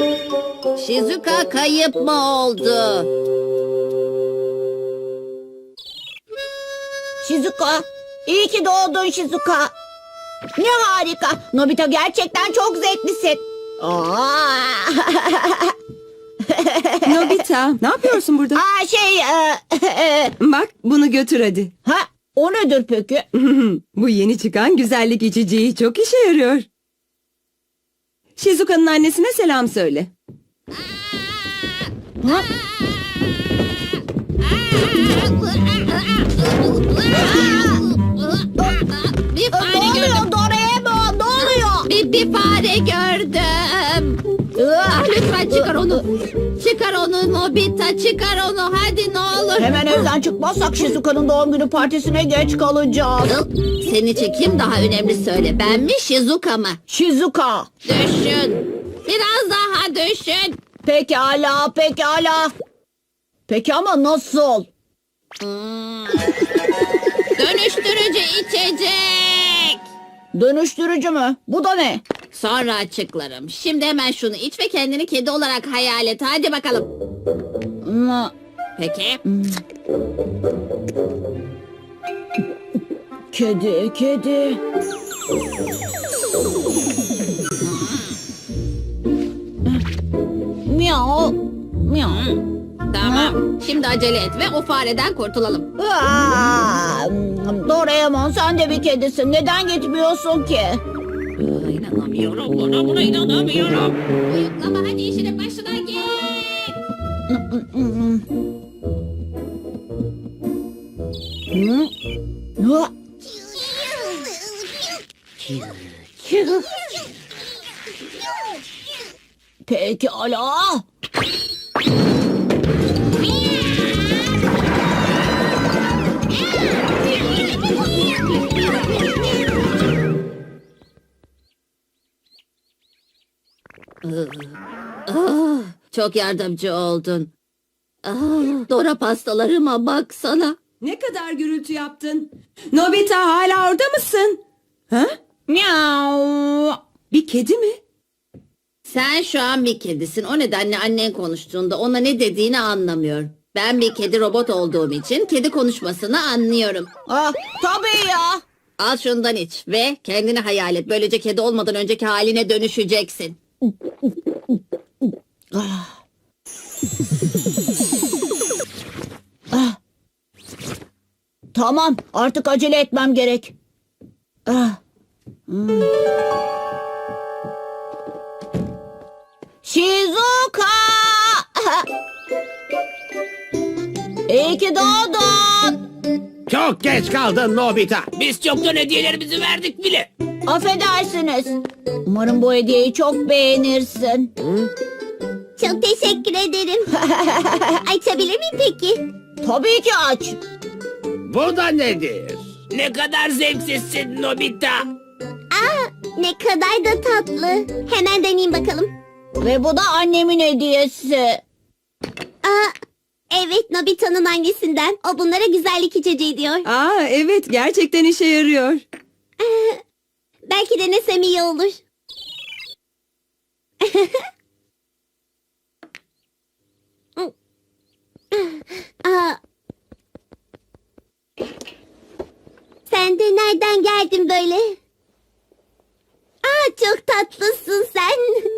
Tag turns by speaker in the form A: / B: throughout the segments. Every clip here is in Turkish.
A: Shizuka kayıp mı oldu?
B: Shizuka, iyi ki doğdun Shizuka. Ne harika. Nobita gerçekten çok zevklisin. Aa!
C: Nobita, ne yapıyorsun burada? Bak, bunu götür hadi.
B: Ha, o nedir peki?
C: Bu yeni çıkan güzellik içeceği çok işe yarıyor. Shizuka'nın annesine selam söyle.
B: Ha?
A: Bir
B: Ne
A: fare gördüm.
B: oluyor Doraemon? Ne oluyor?
A: Bir fare gördüm. Lütfen çıkar onu. Çıkar onu Nobita, çıkar onu. Hadi ne olur.
B: Hemen evden çıkmazsak Shizuka'nın doğum günü partisine geç kalacağız.
A: Senin için kim daha önemli söyle. Ben mi Shizuka mı?
B: Shizuka.
A: Düşün. Biraz daha düşün.
B: Pekala, pekala. Peki ama nasıl?
A: Dönüştürücü içecek.
B: Dönüştürücü mü? Bu da ne?
A: Sonra açıklarım. Şimdi hemen şunu iç ve kendini kedi olarak hayal et. Hadi bakalım.
B: Hmm,
A: Peki.
B: Kedi, kedi. Miau, miau.
A: Tamam. Şimdi acele et ve o fareden kurtulalım.
B: Aa, Doraemon sen de bir kedisin. Neden gitmiyorsun ki?
A: İnanamıyorum. Buna inanamıyorum. Uyuklama hadi işine başına git.
B: Ha? Pekala.
A: Çok yardımcı oldun. Dora pastalarıma baksana.
C: Ne kadar gürültü yaptın? Nobita, hala orada mısın? Ha?
B: Miau.
C: Bir kedi mi?
A: Sen şu an bir kedisin. O nedenle annen konuştuğunda ona ne dediğini anlamıyor. Ben bir kedi robot olduğum için kedi konuşmasını anlıyorum.
B: Ah, tabii ya.
A: Al şundan iç ve kendini hayal et. Böylece kedi olmadan önceki haline dönüşeceksin.
B: Tamam, artık acele etmem gerek. Ah. Hmm. Shizuka! İyi ki doğdun.
D: Çok geç kaldın Nobita. Biz çoktan hediyelerimizi verdik bile.
B: Affedersiniz. Umarım bu hediyeyi çok beğenirsin.
E: Çok teşekkür ederim. Açabilir miyim peki?
B: Tabii ki aç.
D: Bu da nedir? Ne kadar zevksizsin Nobita.
E: Ne kadar da tatlı. Hemen deneyeyim bakalım.
B: Ve bu da annemin hediyesi.
E: Aa, evet Nobita'nın annesinden. O bunlara güzellik içeceği diyor.
C: Aa, evet, gerçekten işe yarıyor.
E: Belki denesem iyi olur. Aa. Sen de nereden geldin böyle? Aa, çok tatlısın sen.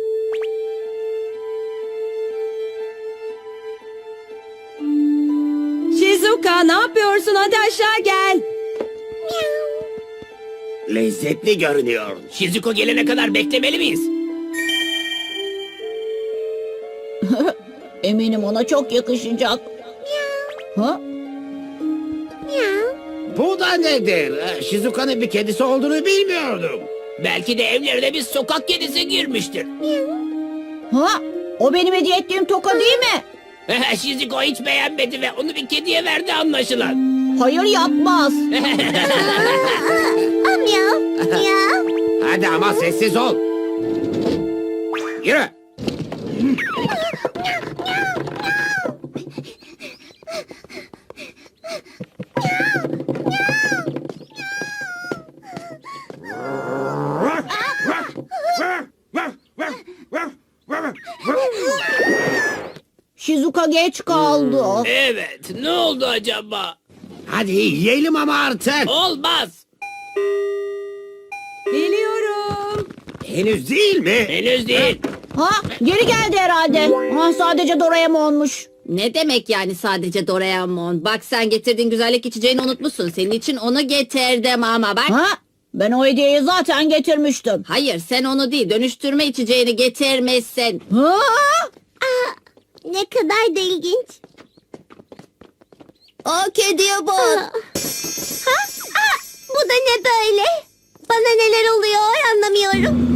C: Shizuka, ne yapıyorsun? Hadi aşağı gel.
D: Lezzetli görünüyor. Shizuko gelene kadar beklemeli miyiz?
B: Eminim ona çok yakışacak. Ha?
D: Bu da nedir? Shizuka'nın bir kedisi olduğunu bilmiyordum. Belki de evlerine bir sokak kedisi girmiştir.
B: Ha? O benim hediye ettiğim toka değil mi?
D: Shizuko hiç beğenmedi ve onu bir kediye verdi anlaşılan.
B: Hayır yapmaz.
E: Miyav, miyav.
D: Hadi ama sessiz ol. Yürü.
B: Shizuka geç kaldı.
D: Evet, ne oldu acaba? Hadi yiyelim ama artık. Olmaz.
C: Geliyorum.
D: Henüz değil mi? Henüz değil.
B: Ha, geri geldi herhalde. Ha, sadece Doraemon'muş.
A: Ne demek yani sadece Doraemon? Bak sen getirdiğin güzellik içeceğini unutmuşsun. Senin için onu getirdim ama bak.
B: Ha, ben o hediyeyi zaten getirmiştim.
A: Hayır sen onu değil dönüştürme içeceğini getirmişsin.
B: Ha?
E: Ne kadar da ilginç.
B: O kediye bak.
E: Bu da ne böyle? Bana neler oluyor anlamıyorum.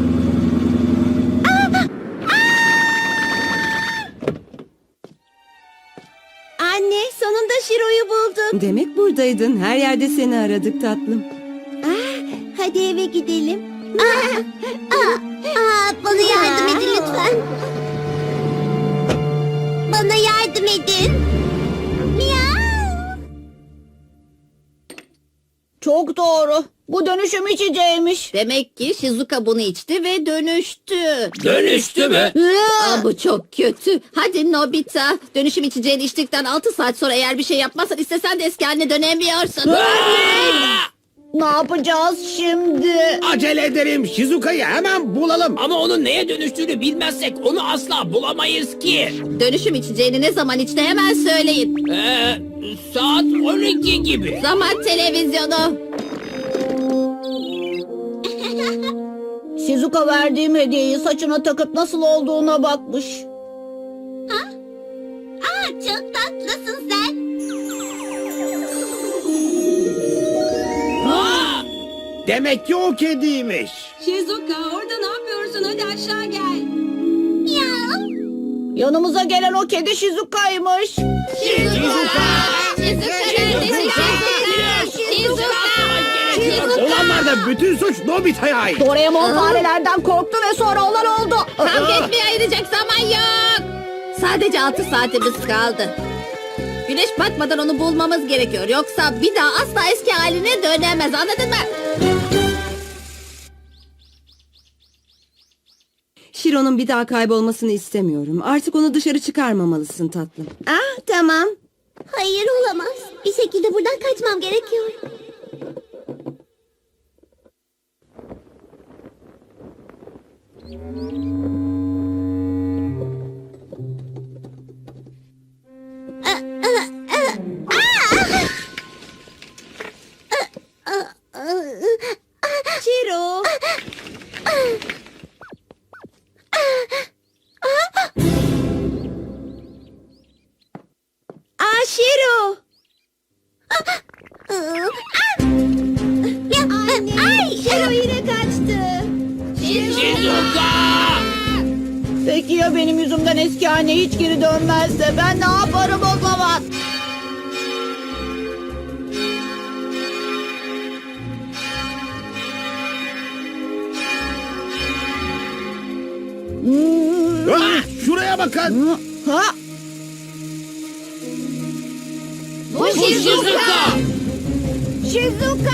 E: Anne, sonunda Şiro'yu buldum.
C: Demek buradaydın. Her yerde seni aradık tatlım.
E: Hadi eve gidelim. Bana yardım edin lütfen. Bana yardım edin. Miau.
B: Çok doğru. Bu dönüşüm içeceğiymiş.
A: Demek ki Shizuka bunu içti ve dönüştü.
D: Dönüştü mü?
A: Aa, bu çok kötü. Hadi Nobita. Dönüşüm içeceğini içtikten 6 saat sonra eğer bir şey yapmazsan istesen de eski haline dönemiyorsun.
B: Ne yapacağız şimdi?
D: Acele ederim. Shizuka'yı hemen bulalım. Ama onun neye dönüştüğünü bilmezsek onu asla bulamayız ki.
A: Dönüşüm içeceğini ne zaman içti hemen söyleyin.
D: Saat 12 gibi.
A: Zaman televizyonu.
B: Shizuka verdiğim hediyeyi saçına takıp nasıl olduğuna bakmış.
E: Çok tatlısın sen.
D: Demek ki o kediymiş.
C: Shizuka orada ne yapıyorsun? Hadi aşağı gel.
E: Miau.
B: Yanımıza gelen o kedi Shizuka'ymış.
A: Shizuka neredesin Shizuka?
D: Olanlar da bütün suç Nobita'ya ait.
B: Doraemon farelerden korktu ve sonra olan oldu.
A: Kavga etmeye ayıracak zaman yok. Sadece 6 saatimiz kaldı. Güneş batmadan onu bulmamız gerekiyor. Yoksa bir daha asla eski haline dönemez. Anladın mı?
C: Shiro'nun bir daha kaybolmasını istemiyorum. Artık onu dışarı çıkarmamalısın tatlım.
B: Tamam.
E: Hayır olamaz. Bir şekilde buradan kaçmam gerekiyor.
B: Shiro. Shiro.
E: Ay,
B: Shiro yine kaçtı.
D: Shizuka!
B: Peki ya benim yüzümden eski haline hiç geri dönmezse ben ne yaparım o zaman?
D: Şuraya bakın.
B: Ha?
A: Bu Shizuka.
B: Shizuka!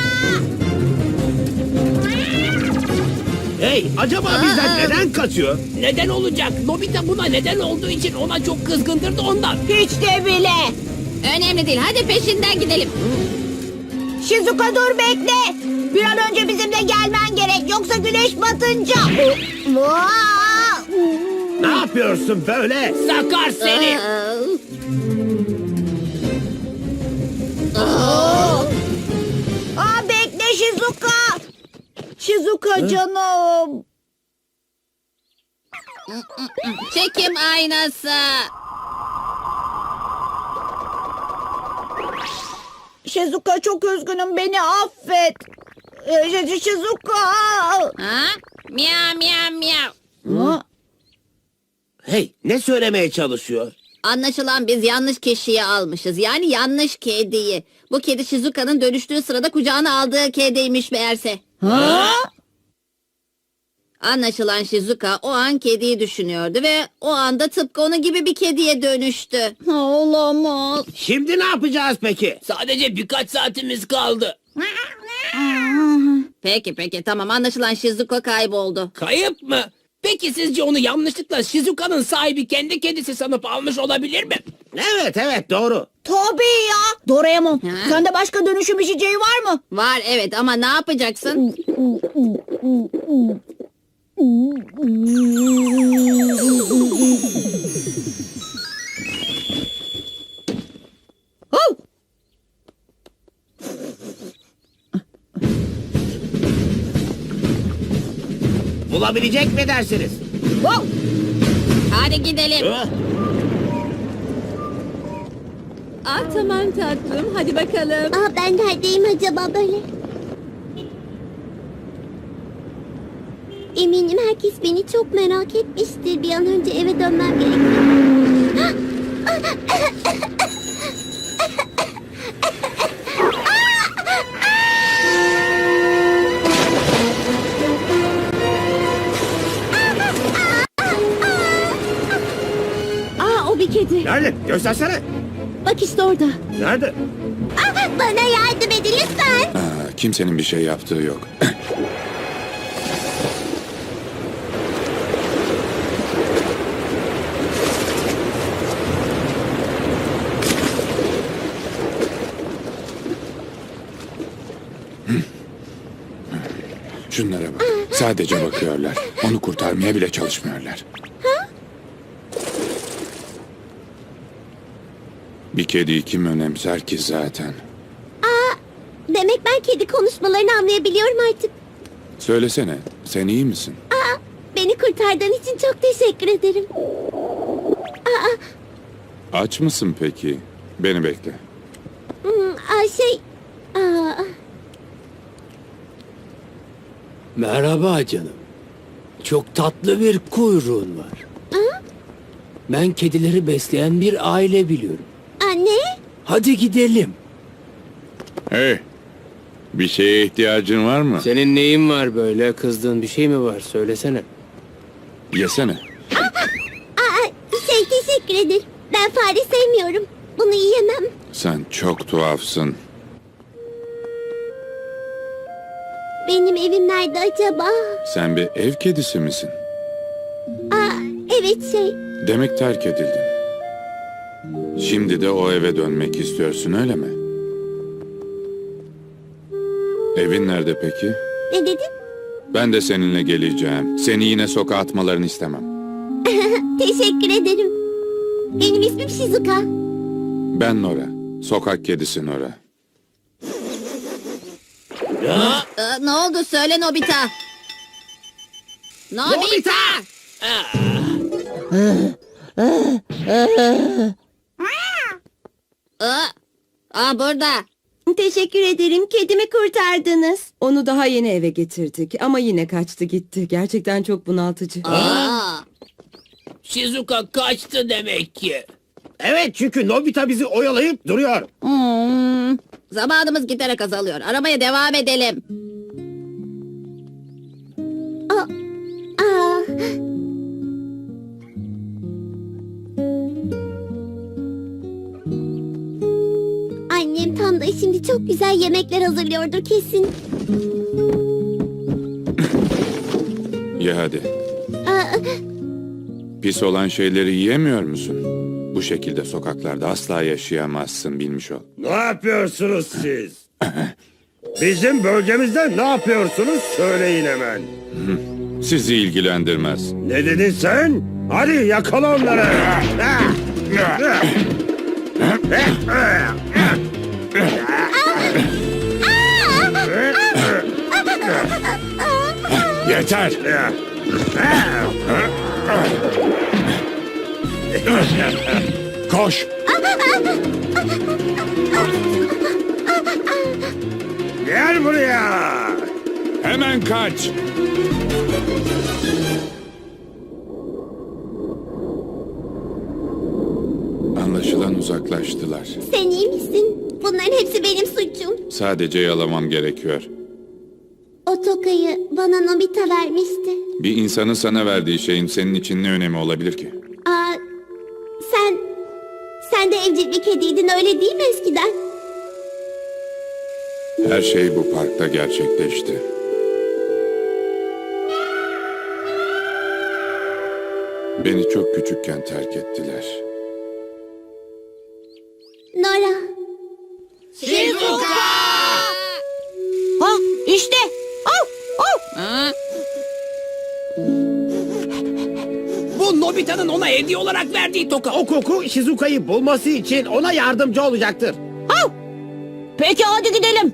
D: Hey, acaba bizden neden kaçıyor? Neden olacak? Nobita buna neden olduğu için ona çok kızgındır da ondan.
B: Hiç de bile.
A: Önemli değil. Hadi peşinden gidelim.
B: Shizuka dur bekle. Bir an önce bizimle gelmen gerek. Yoksa güneş batınca.
D: Ne yapıyorsun böyle? Sakar seni.
B: Bekle Shizuka. Shizuka canım.
A: Çekim aynası.
B: Shizuka çok üzgünüm. Beni affet. Shizuka.
A: Ha? Miyav miyav miyav.
B: Ha?
D: Hey, ne söylemeye çalışıyor?
A: Anlaşılan biz yanlış kişiyi almışız. Yani yanlış kediyi. Bu kedi Shizuka'nın dönüştüğü sırada kucağına aldığı kediymiş meğerse.
B: Ha?
A: Anlaşılan Shizuka o an kediyi düşünüyordu ve o anda tıpkı onun gibi bir kediye dönüştü.
B: Olamaz.
D: Şimdi ne yapacağız peki? Sadece birkaç saatimiz kaldı.
A: Peki tamam anlaşılan Shizuka kayboldu.
D: Kayıp mı? Peki sizce onu yanlışlıkla Shizuka'nın sahibi kendi kedisi sanıp almış olabilir mi?
F: Evet doğru.
B: Tabii ya. Doraemon,
A: Ha?
B: sende başka dönüşüm içeceği var mı?
A: Var evet ama ne yapacaksın?
B: Oh!
F: Bulabilecek mi dersiniz?
B: Wow!
A: Hadi gidelim.
C: Ah tamam tatlım hadi bakalım.
E: Aa, ben neredeyim acaba böyle? Eminim herkes beni çok merak etmiştir. Bir an önce eve dönmem gerekiyor.
C: Aa o bir kedi.
F: Nerede? Göstersene.
C: Bak işte orada.
F: Nerede?
E: Bana yardım edin lütfen.
G: Kimsenin bir şey yaptığı yok. Şunlara bak. Sadece bakıyorlar. Onu kurtarmaya bile çalışmıyorlar. Bir kediyi kim önemser ki zaten?
E: Demek ben kedi konuşmalarını anlayabiliyorum artık.
G: Söylesene, sen iyi misin?
E: Beni kurtardığın için çok teşekkür ederim.
G: Aç mısın peki? Beni bekle.
E: Aa,
D: Merhaba canım. Çok tatlı bir kuyruğun var. Ben kedileri besleyen bir aile biliyorum.
E: anne.
D: Hadi gidelim.
G: Hey, bir şeye ihtiyacın var mı?
D: Senin neyin var böyle? Kızdığın bir şey mi var? Söylesene.
G: Yesene.
E: Teşekkür ederim. Ben fare sevmiyorum. Bunu yiyemem.
G: Sen çok tuhafsın.
E: Benim evim nerede acaba?
G: Sen bir ev kedisi misin?
E: Evet
G: Demek terk edildin. Şimdi de o eve dönmek istiyorsun öyle mi? Evin nerede peki?
E: Ne dedin?
G: Ben de seninle geleceğim. Seni yine sokağa atmalarını istemem.
E: Teşekkür ederim. Benim ismim Shizuka.
G: Ben Nora. Sokak kedisi Nora.
A: Ne oldu söyle Nobita. Nobita. Burada.
C: Teşekkür ederim kedimi kurtardınız. Onu daha yeni eve getirdik ama yine kaçtı gitti. Gerçekten çok bunaltıcı.
D: Shizuka kaçtı demek ki.
F: Evet çünkü Nobita bizi oyalayıp duruyor.
A: Zamanımız giderek azalıyor. Aramaya devam edelim.
E: Aa, annem tam da şimdi çok güzel yemekler hazırlıyordur kesin.
G: Ye hadi.
E: Aa,
G: Pis olan şeyleri yiyemiyor musun? Bu şekilde sokaklarda asla yaşayamazsın bilmiş ol.
F: Ne yapıyorsunuz siz? Bizim bölgemizde ne yapıyorsunuz söyleyin hemen.
G: Sizi ilgilendirmez.
F: Ne dedin sen? Hadi yakala onları.
G: Yeter! Koş!
F: Gel buraya.
G: Hemen kaç! Anlaşılan uzaklaştılar.
E: sen iyi misin? Bunların hepsi benim suçum.
G: Sadece yalamam gerekiyor.
E: O tokayı bana Nobita vermişti.
G: Bir insanın sana verdiği şeyin senin için ne önemi olabilir ki?
E: Aa, sen de evcil bir kediydin öyle değil mi eskiden?
G: Her şey bu parkta gerçekleşti. Beni çok küçükken terk ettiler.
E: Nora.
B: Ha işte. Au, au.
D: Bu Nobita'nın ona hediye olarak verdiği toka.
F: O koku Shizuka'yı bulması için ona yardımcı olacaktır.
B: Au. Peki hadi gidelim.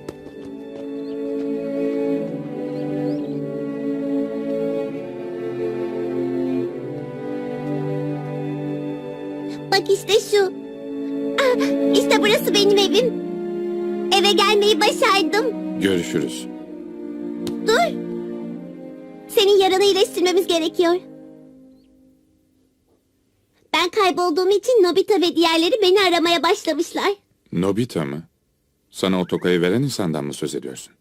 E: Bak işte şu. İşte burası benim evim. Eve gelmeyi başardım.
G: Görüşürüz.
E: Dur. Senin yaranı iyileştirmemiz gerekiyor. Ben kaybolduğum için Nobita ve diğerleri beni aramaya başlamışlar.
G: Nobita mı? Sana o tokayı veren insandan mı söz ediyorsun?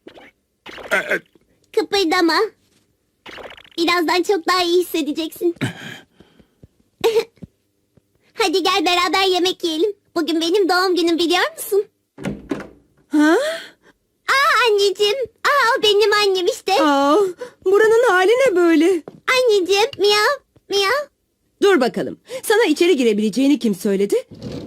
E: Kıpırdama. Birazdan çok daha iyi hissedeceksin. Hadi gel beraber yemek yiyelim. Bugün benim doğum günüm biliyor musun?
C: Ha?
E: Anneciğim. O benim annem işte.
C: Aa, buranın hali ne böyle?
E: Anneciğim. Miyav. Miyav.
C: Dur bakalım. Sana içeri girebileceğini kim söyledi?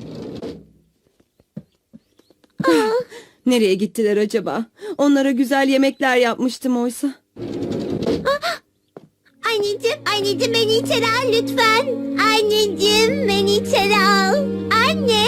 C: Nereye gittiler acaba? Onlara güzel yemekler yapmıştım oysa.
E: Anneciğim beni içeri al lütfen. Anneciğim beni içeri al. Anne.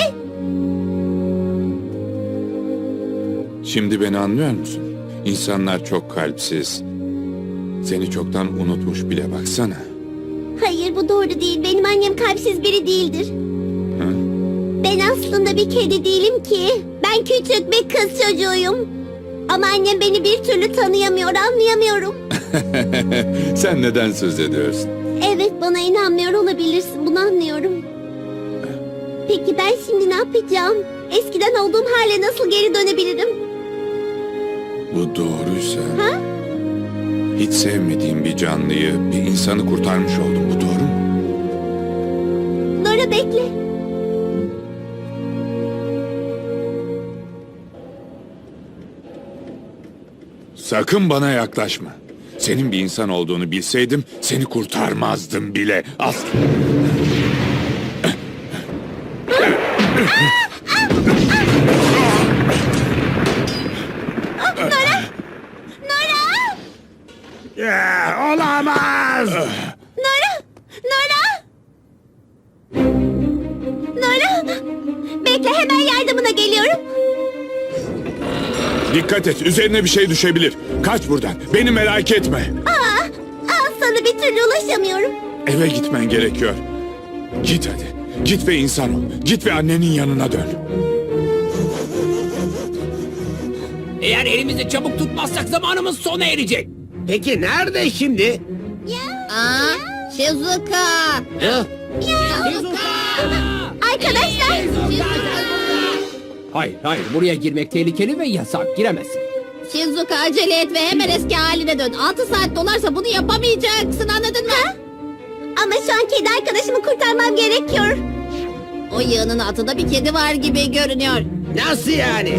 G: Şimdi beni anlıyor musun? İnsanlar çok kalpsiz. Seni çoktan unutmuş bile baksana.
E: Hayır bu doğru değil. Benim annem kalpsiz biri değildir.
G: Hı?
E: Ben aslında bir kedi değilim ki. Ben küçük bir kız çocuğuyum. Ama annem beni bir türlü tanıyamıyor, anlayamıyorum.
G: Sen neden söz ediyorsun?
E: Evet bana inanmıyor olabilirsin, bunu anlıyorum. Peki ben şimdi ne yapacağım? Eskiden olduğum hale nasıl geri dönebilirim?
G: Bu doğruysa...
E: Ha?
G: Hiç sevmediğim bir canlıyı, bir insanı kurtarmış oldum. Bu doğru mu?
E: Nora bekle.
G: Sakın bana yaklaşma. Senin bir insan olduğunu bilseydim seni kurtarmazdım bile. Asla.
E: Nora!
F: Olamaz.
E: Nora! Nora! Nora! Bekle hemen yardımına geliyorum.
G: Dikkat et, üzerine bir şey düşebilir. Kaç buradan, beni merak etme.
E: Sana bir türlü ulaşamıyorum.
G: Eve gitmen gerekiyor. Git hadi, git ve insan ol. Git ve annenin yanına dön.
D: Eğer elimizi çabuk tutmazsak zamanımız sona erecek.
F: Peki nerede şimdi?
A: Shizuka.
E: Arkadaşlar.
D: Hayır buraya girmek tehlikeli ve yasak, giremezsin.
A: Shizuka acele et ve hemen eski haline dön. 6 saat dolarsa bunu yapamayacaksın, anladın mı?
E: Ama şu an kedi arkadaşımı kurtarmam gerekiyor.
A: O yığının altında bir kedi var gibi görünüyor.
F: Nasıl yani?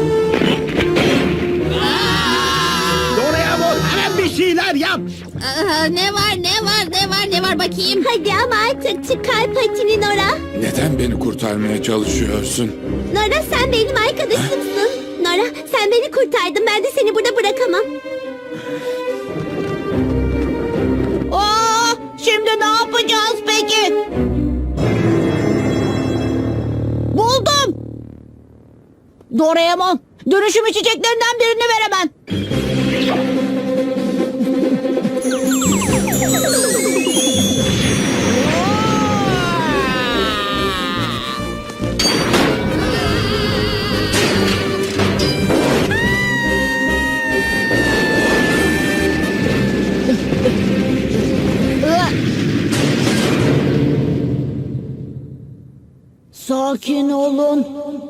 F: Doraemon hemen bir şeyler yap.
A: Ne var bakayım.
E: Hadi ama artık çıkar patini Nora.
G: Neden beni kurtarmaya çalışıyorsun?
E: Nora sen benim arkadaşımsın. Nora sen beni kurtardın, ben de seni burada bırakamam.
B: Şimdi ne yapacağız peki? Buldum. Doraemon, dönüşüm içeceklerinden birini ver hemen. Sakin olun.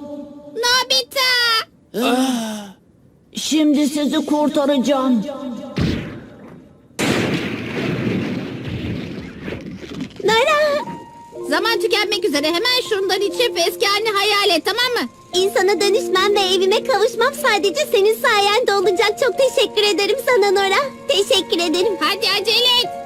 A: Nobita!
B: Şimdi sizi kurtaracağım.
E: Nora!
A: Zaman tükenmek üzere, hemen şundan içip eski halini hayal et, tamam mı?
E: İnsana dönüşmem ve evime kavuşmam sadece senin sayende olacak. Çok teşekkür ederim sana Nora. Teşekkür ederim.
A: Hadi acele et.